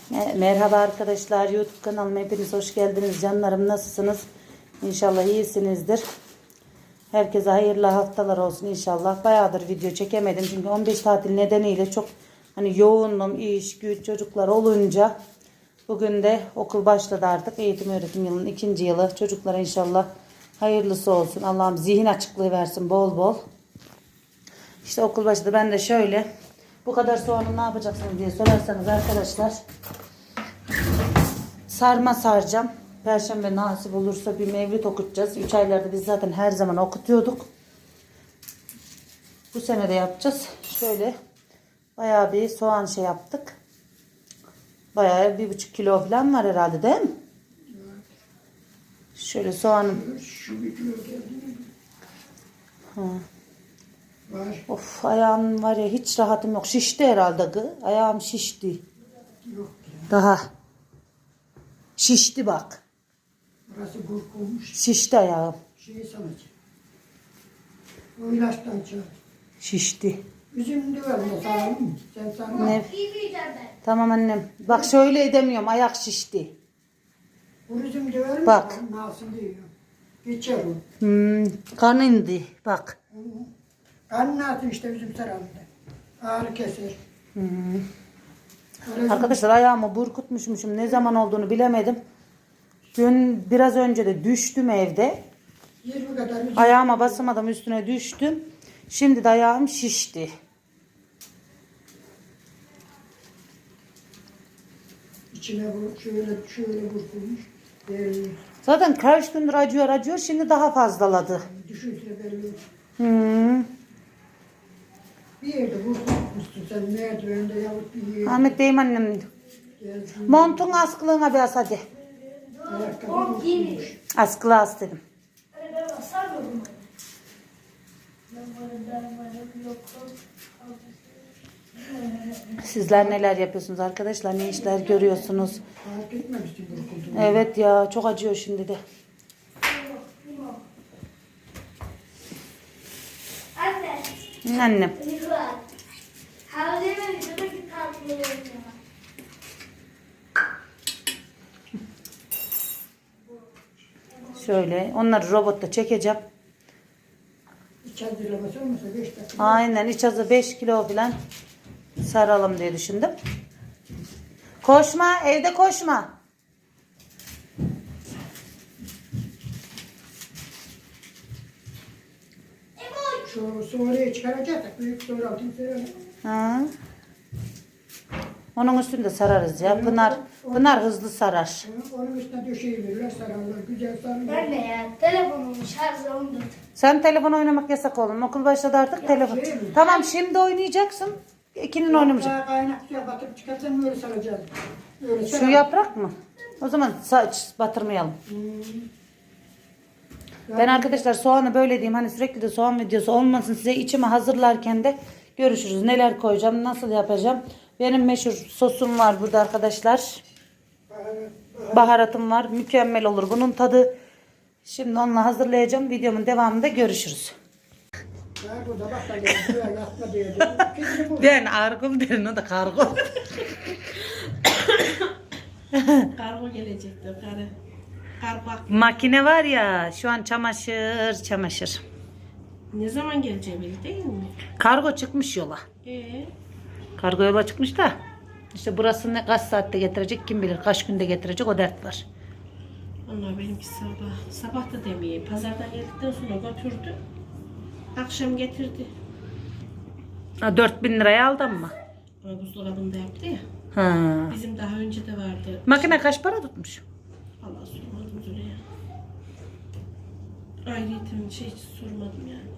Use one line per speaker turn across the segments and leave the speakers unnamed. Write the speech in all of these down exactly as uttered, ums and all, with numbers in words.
Merhaba arkadaşlar, YouTube kanalıma hepiniz hoş geldiniz. Canlarım, nasılsınız? İnşallah iyisinizdir. Herkese hayırlı haftalar olsun inşallah. Bayağıdır video çekemedim çünkü on beş tatil nedeniyle çok hani yoğunum, iş, güç, çocuklar olunca bugün de okul başladı artık. Eğitim öğretim yılının ikinci yılı. Çocuklara inşallah hayırlısı olsun. Allah'ım zihin açıklığı versin bol bol. İşte okul başladı. Ben de şöyle bu kadar soğanı ne yapacaksınız diye sorarsanız arkadaşlar, sarma saracağım. Perşembe nasip olursa bir mevlüt okutacağız. üç aylarda biz zaten her zaman okutuyorduk. Bu sene de yapacağız. Şöyle bayağı bir soğan şey yaptık. Bayağı bir buçuk kilo falan var herhalde, değil mi? Şöyle soğanım.
Şu bir kilo geldi.
Ha.
Var.
Of, ayağım var ya, hiç rahatım yok. Şişti herhalde gı. Ayağım şişti.
Yok ya.
Daha. Şişti bak.
Burası burkulmuş.
Şişti ayağım.
Şey sanacak. O ilaçtan çağır.
Şişti.
Üzüm de var mı? Sağlam mı? Sen sağlam.
Ne? Tamam annem. Bak şöyle edemiyorum. Ayak şişti.
Bu üzüm de var mı?
Bak.
Nasıl diyor. Geçer o.
Hmm, kan indi. Bak.
Karnını atın işte üzüm saralında. Ağrı keser.
Hmm. Arkadaşlar ayağımı burkutmuşmuşum. Ne zaman olduğunu bilemedim. Dün biraz önce de düştüm evde.
yirmi kadar üzüm.
Ayağıma basamadım, üstüne düştüm. Şimdi de ayağım şişti.
İçine bu şöyle şöyle burkulmuş. Ee,
Zaten kaç gündür acıyor acıyor. Şimdi daha fazlaladı.
düşünsene belli.
Hmm.
Bir yerde burkulmuşsun sen merdivende yahut bir yerde.
Ahmet deyim annem.
Geldin.
Montun askılığına biraz hadi.
Ayakkabı burkulmuş.
Askılı as dedim. Sizler neler yapıyorsunuz arkadaşlar? Ne işler görüyorsunuz?
Fark etmemişsin burkulduğunu.
Evet ya, çok acıyor şimdi de.
Anne.
Annem.
Nikola. Havleme videodaki tatlıları.
Şöyle onları robotta çekeceğim.
İç hazırlaması olmasa beş dakika.
Aynen, iç hazır beş kilo falan saralım diye düşündüm. Koşma, evde koşma.
Şu sonraya çıkaracaksak büyük sonra altın serelim.
Ha. Onun üstünde sararız ya. Pınar, Pınar hızlı sarar.
Onun üstüne döşeyiverirler sararlar. Güzel sararlar.
Ben de ya telefonumun şarjı on dört.
Sen telefon oynamak yasak oğlum. Okul başladı artık telefon.
şey mi?
Tamam, şimdi oynayacaksın. İkinin oynamayacak.
Daha kaynak suya batırıp çıkarsan böyle saracağız. Öyle
Şu
sarar.
yaprak mı? O zaman saç batırmayalım. Ben arkadaşlar soğanı böyle diyeyim. Hani sürekli de soğan videosu olmasın. Size içimi hazırlarken de görüşürüz. Neler koyacağım, nasıl yapacağım. Benim meşhur sosum var burada arkadaşlar. Baharatım var. Mükemmel olur bunun tadı. Şimdi onunla hazırlayacağım. Videomun devamında görüşürüz.
Kargo da bak da geldi. Böyle yatma diye. Kesin bu.
Ben argıl derin, o da kargo.
Kargo gelecekti. Karı. Kargo.
Makine var ya, şu an çamaşır çamaşır.
Ne zaman geleceği belli değil mi?
Kargo çıkmış yola.
Ee,
Kargo yola çıkmış da. İşte burası ne kaç saatte getirecek kim bilir. Kaç günde getirecek, o dert var.
onlar benimki sabah. Sabah da demeyeyim. Pazardan geldikten sonra götürdü. Akşam getirdi.
Ha, dört bin liraya aldın mı?
Ama buzdolabında yaptı ya.
Ha.
Bizim daha önce de vardı.
Makine kaç para tutmuş?
Allah sormadım Züleyha. Ayrıyeten şey hiç sormadım yani.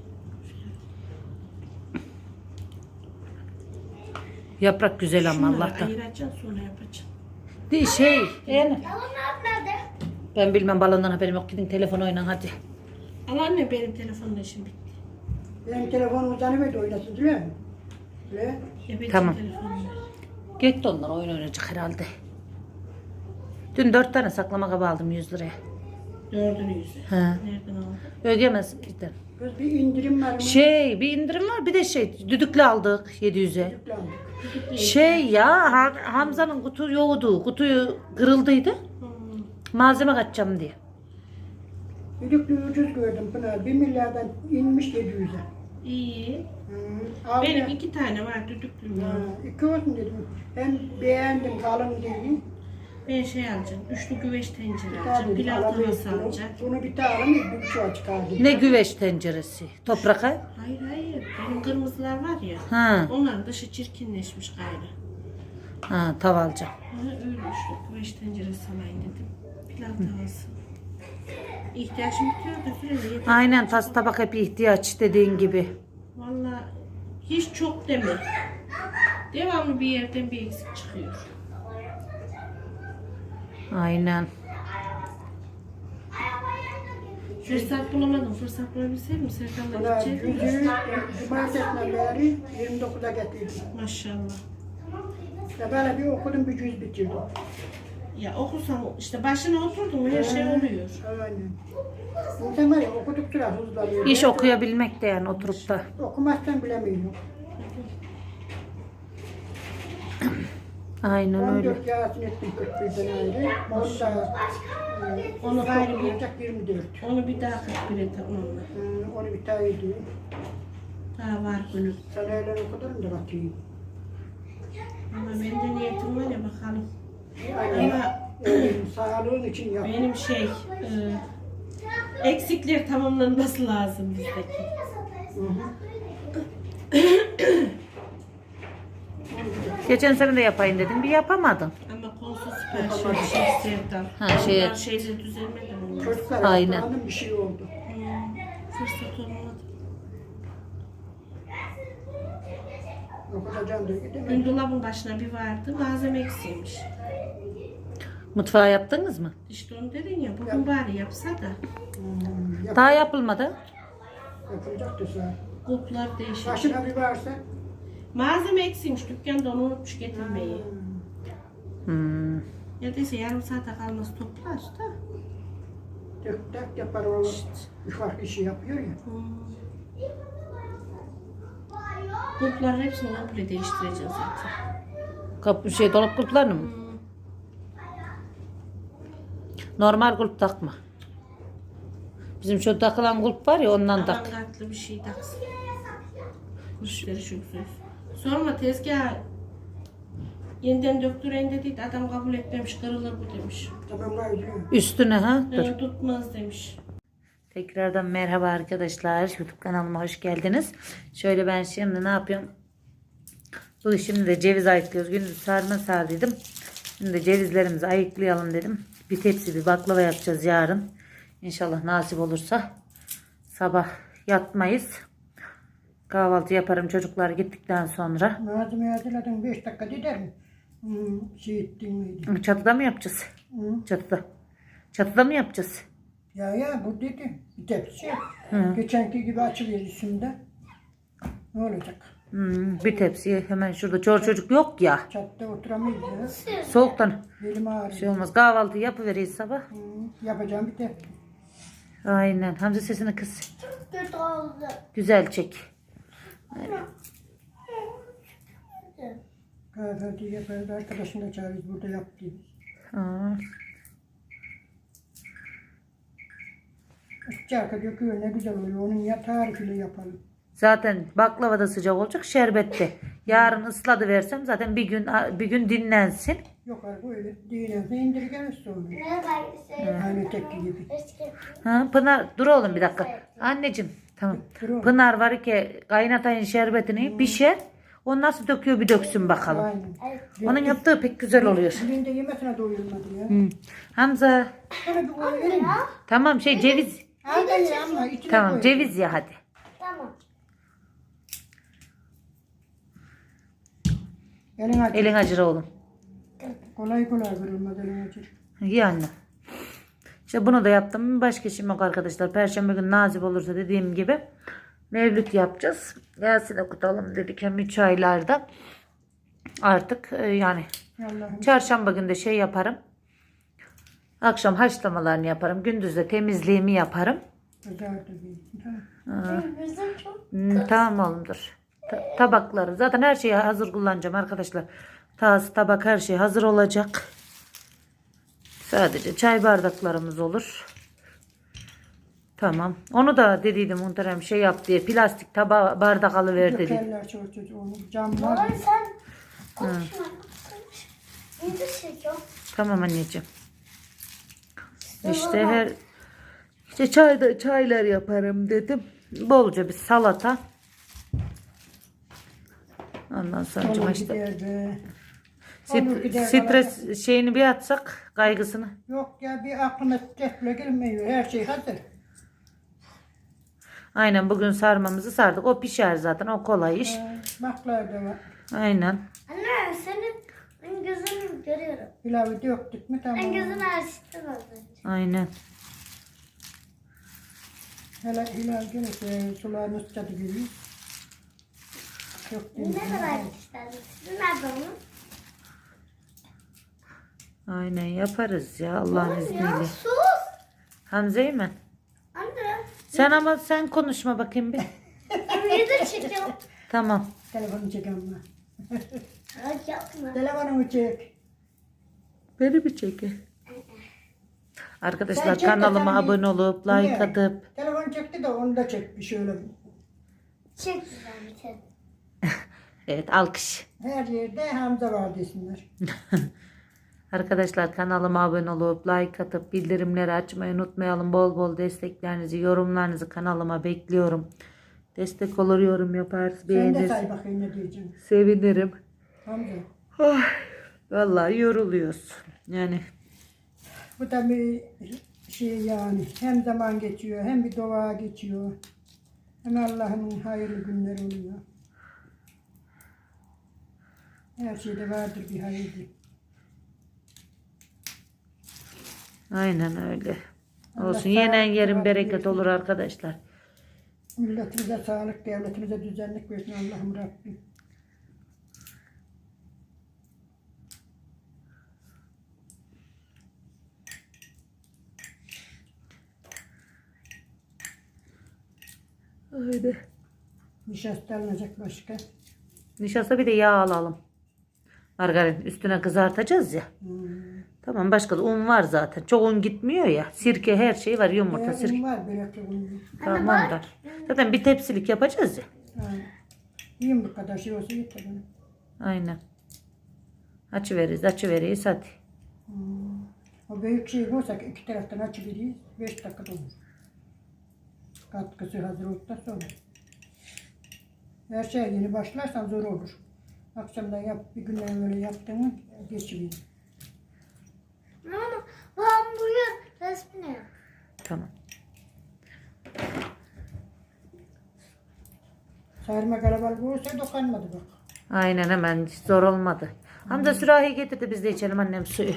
Yaprak güzel ama
Şunları
Allah'tan.
ayıracaksın sonra yapacaksın.
Değil şey. Yani.
Balonlar nerede?
Ben bilmem, balondan haberim yok. Gidin telefon oynayın hadi.
Al anne, benim telefonla şimdi bitti.
Benim telefonum uzanıverdi oynasın değil mi? Öyle.
Evet,
Tamam.
telefonla.
Gitti onlar, oyun oynayacak herhalde. Dün dört tane saklama kabı aldım yüz liraya.
Dördünü yüze.
He.
Nereden aldın?
Ögemez işte.
Kız bir indirim var mı?
Şey bir indirim var bir de şey düdüklü aldık yedi yüze.
Yüklendik.
Şey ya Ha- Hamza'nın kutu yoktu. Kutuyu kırıldıydı.
Hmm.
Malzeme kaçacağım diye.
Düdüklü ucuz gördüm Pınar. Bir milyardan inmiş yedi yüze.
İyi.
Hı. Al
Benim
ya.
iki tane var düdüklüm
Ha,
var.
iki olsun dedim. Ben beğendim kalın değil.
Ben şey alacağım. Üçlü güveç tencere
Bir
alacağım.
tane
Pilav
alamayız
tavası
bunu.
alacağım.
Bunu bir tane alayım, bir buçuğa çıkardım.
Ne güveç tenceresi. Toprak ha?
Hayır hayır. Benim kırmızılar var ya.
Ha.
Onların dışı çirkinleşmiş gayrı.
Ha tava alacağım.
Ha, öyle üçlü güveç tenceresi alayım dedim. Pilav tavası. İhtiyacım bitiyor da sürekli yeter.
Aynen tas tabak hep ihtiyaç dediğin gibi.
Valla hiç çok deme. Devamlı bir yerden bir eksik çıkıyor.
Şey-
Aynen.
Fırsat bulamadım. Fırsat bulabilseydim Serkan'la
Buna
gidecektim.
yüzüğü cumartesinden beri yirmi dokuza getirdim.
Maşallah.
Ya böyle bir okudum bir cüz bitirdim.
Ya okusam işte başına oturdum mu her şey oluyor.
Aynen. İnsan var ya okuduk sıra hızlanıyor.
İş okuyabilmek de yani oturup da.
Okumazsan bilemiyorum.
Aynen
on
öyle.
dört Yasin ettim kırk birden ayrı. Onda
Onu
onu
gayrı bir,
olacak yirmi dört.
onu bir daha kırk bire tamamla.
Hı, onu bir tane edeyim.
Daha var günü.
Sana öyle okudarım da bakayım.
Ama benim de niyetim var ya bakalım.
Aynen.
Ama
Öyle sağlığın için yap.
benim şey e, eksikler tamamlanması lazım bizdeki.
Hı hı.
Geçen sene de yapayım dedim bir yapamadım.
Ama konusu süper şey, şey Sevdan.
Ha, şey-
Onlar şeyler düzelmedi mi?
Çocuklar
Aynen.
Aynen. bir şey oldu.
Hmm, fırsat olmadı.
Okutacağım da
Dün
gidemedim.
dolabın başına bir vardı, malzeme eksiymiş.
Mutfağı yaptınız mı?
İşte onu dedin ya, bugün bari yapsa da
Hmm, yap,
Daha yapılmadı.
yapılacak da sonra.
kulplar değişik.
Başına bir varsa.
Malzeme eksiymiş, dükkanda onu unutmuş getirmeyi.
Hmm.
Ya dese yarım saate kalmaz toplar da.
Tek tek yapar o. Ufak işi yapıyor ya.
Hmm. Kulpların hepsini komple değiştireceğiz zaten.
Kapı şey dolap kulplarını mı?
Hmm.
Normal kulp takma. Bizim şu takılan kulp var ya ondan tak.
Avantgardlı bir şey taksın. Müşteri çok söz. Sorma tezgah yeniden döktüren dediydi, adam kabul etmemiş, kırılır bu demiş.
Tamam var diyor.
Üstüne ha dur.
Ne tutmaz demiş.
Tekrardan merhaba arkadaşlar. YouTube kanalıma hoş geldiniz. Şöyle ben şimdi ne yapıyorum? Bu şimdi de ceviz ayıklıyoruz. Gündüz sarma sardıydım. Şimdi de cevizlerimizi ayıklayalım dedim. Bir tepsi bir baklava yapacağız yarın. İnşallah nasip olursa. Sabah yatmayız. Kahvaltı yaparım çocuklar gittikten sonra.
Malzemeyi hazırladın beş dakika gider mi? Hmm, şey ettin miydi?
Çatıda mı yapacağız?
Hı.
Çatıda. Çatıda mı yapacağız?
Ya ya bu dedi. Bir tepsi.
Hı.
Geçenki gibi açılıyor üstünde. Ne olacak?
Hmm, bir tepsi hemen şurada. Çor çocuk yok ya.
Çatıda oturamayız ya.
Soğuktan
Belim ağrıyor.
şey olmaz. Kahvaltı yapıveririz sabah.
Hı, yapacağım bir tepsi.
Aynen. Hamza sesini kıs.
Kötü oldu.
Güzel çek.
Kahvaltı yaparız. Arkadaşını da çağırırız. Burada yap diye.
Aa,
Sıcak döküyor. Ne güzel oluyor. Onun ya tarifini yapalım.
zaten baklava da sıcak olacak. Şerbette. Yarın ısladı versem zaten bir gün bir gün dinlensin.
Yok abi öyle dinlerse indirgeniz sonra.
Ne var?
Aynı tepki gibi.
Ha, Pınar dur oğlum bir dakika. Anneciğim tamam.
Dur oğlum.
Pınar var ki kaynatayın şerbetini pişer. O nasıl döküyor bir döksün bakalım.
Aynen.
Onun yaptığı pek güzel oluyor.
Birinde yemesine doyulmadı ya.
Hı. Hamza
Sana bir koy vereyim mi?
tamam şey ceviz.
Al da ye ama içine
Tamam
koy.
ceviz ya hadi.
Tamam.
Elin acı.
Elin acır oğlum.
Kolay kolay kırılmaz elin acı.
İyi anne. İşte bunu da yaptım. Başka işim yok arkadaşlar. Perşembe günü nasip olursa dediğim gibi mevlüt yapacağız. Yasin okutalım dedik hem üç aylarda. Artık e, yani
Allah'ım.
çarşamba günü de şey yaparım. Akşam haşlamalarını yaparım. Gündüz de temizliğimi yaparım.
Kızardı bir. Tamam.
Benim yüzüm çok.
Hmm, tamam oğlumdur. Ta- tabakları. Zaten her şeyi hazır kullanacağım arkadaşlar. Tası, tabak her şey hazır olacak. Sadece çay bardaklarımız olur. Tamam. Onu da dediydim muhterem şey yap diye. Plastik tabağı bardak alıver dedi.
Dökerler çoğu çocuğu onu. Cam
Baba
var.
sen konuşma. Konuş. Video çekiyor.
Tamam anneciğim. İşte her işte çay çaylar yaparım dedim. Bolca bir salata. Ondan sonra
Olur
işte
gider be.
St-
Olur gider,
stres şeyini bir atsak kaygısını.
Yok ya bir aklıma tekle gelmiyor. Her şey hazır.
Aynen bugün sarmamızı sardık. O pişer zaten. O kolay iş.
Ee, Baklar da var.
Aynen.
Anne senin ben gözünü görüyorum.
Pilavı döktük mü tamam.
Ben gözünü açtım az önce.
Aynen.
Hele hilal gelirse sularını sıçradı gibi. Çok
Ne
değil.
kadar isterdin? Sizin nerede onun?
Aynen yaparız ya Allah'ın
Ya
izniyle.
sus.
Hamze'yi mi?
Anne.
Sen ama sen konuşma bakayım bir.
Ben video çekiyorum.
Tamam.
Telefonu çek ama.
Ay yapma.
Telefonumu çek.
Beni mi çekin? Arkadaşlar
Sen çek de
kanalıma
sen bir-
abone olup like
Niye?
atıp
Telefon çekti de onu da çek bir şöyle.
Çek güzel bir kere.
evet alkış.
Her yerde Hamza var desinler.
Arkadaşlar kanalıma abone olup like atıp bildirimleri açmayı unutmayalım. Bol bol desteklerinizi, yorumlarınızı kanalıma bekliyorum. Destek olur, yorum yaparız,
Sen de
beğeniriz.
say bakayım ne diyeceksin.
Sevinirim.
Hamza.
Oh, vallahi yoruluyoruz. Yani
Bu da bir şey yani. Hem zaman geçiyor hem bir dua geçiyor. Hem Allah'ın hayırlı günleri oluyor. Her şeyde vardır bir hayırlı.
aynen öyle.
Allah
Olsun. Yenen
sağlık,
yerin
sıhhat
bereket
versin.
olur arkadaşlar.
Milletimize sağlık, devletimize düzenlik versin Allah'ım Rabbim.
Öyle.
Nişasta alınacak başka.
Nişasta bir de yağ alalım. Margarin üstüne kızartacağız ya.
Hmm.
Tamam başka da un var zaten. Çok un gitmiyor ya. Sirke her şey var. Yumurta,
Eğer
sirke.
un var börekli un.
Tamam da. Zaten bir tepsilik yapacağız ya.
Ha. Yiyeyim bu kadar şey olsa yeter bana.
Aynen. Açıveririz, açıveririz hadi.
Hmm. O büyük şey olsa iki taraftan açıveririz. Beş dakikada olur. Katkısı hazır olduktan sonra. Her şeye yeni başlarsan zor olur. Akşamdan yap, bir günden böyle yaptığını geçiyor.
Ama bu hamburger resmini yap.
Tamam.
Sarma kalabalık olursa dokanmadı bak.
Aynen hemen hiç zor olmadı. Hamza sürahi getirdi biz de içelim annem suyu.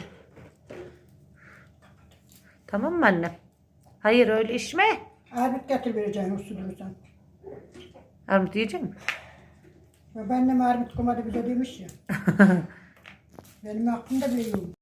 Tamam mı annem? Hayır öyle içme.
Armut getir vereceğim o sudursan.
Armut yiyecek misin?
Ve annem armut komadı bize demiş ya. Benim aklımda bile yok.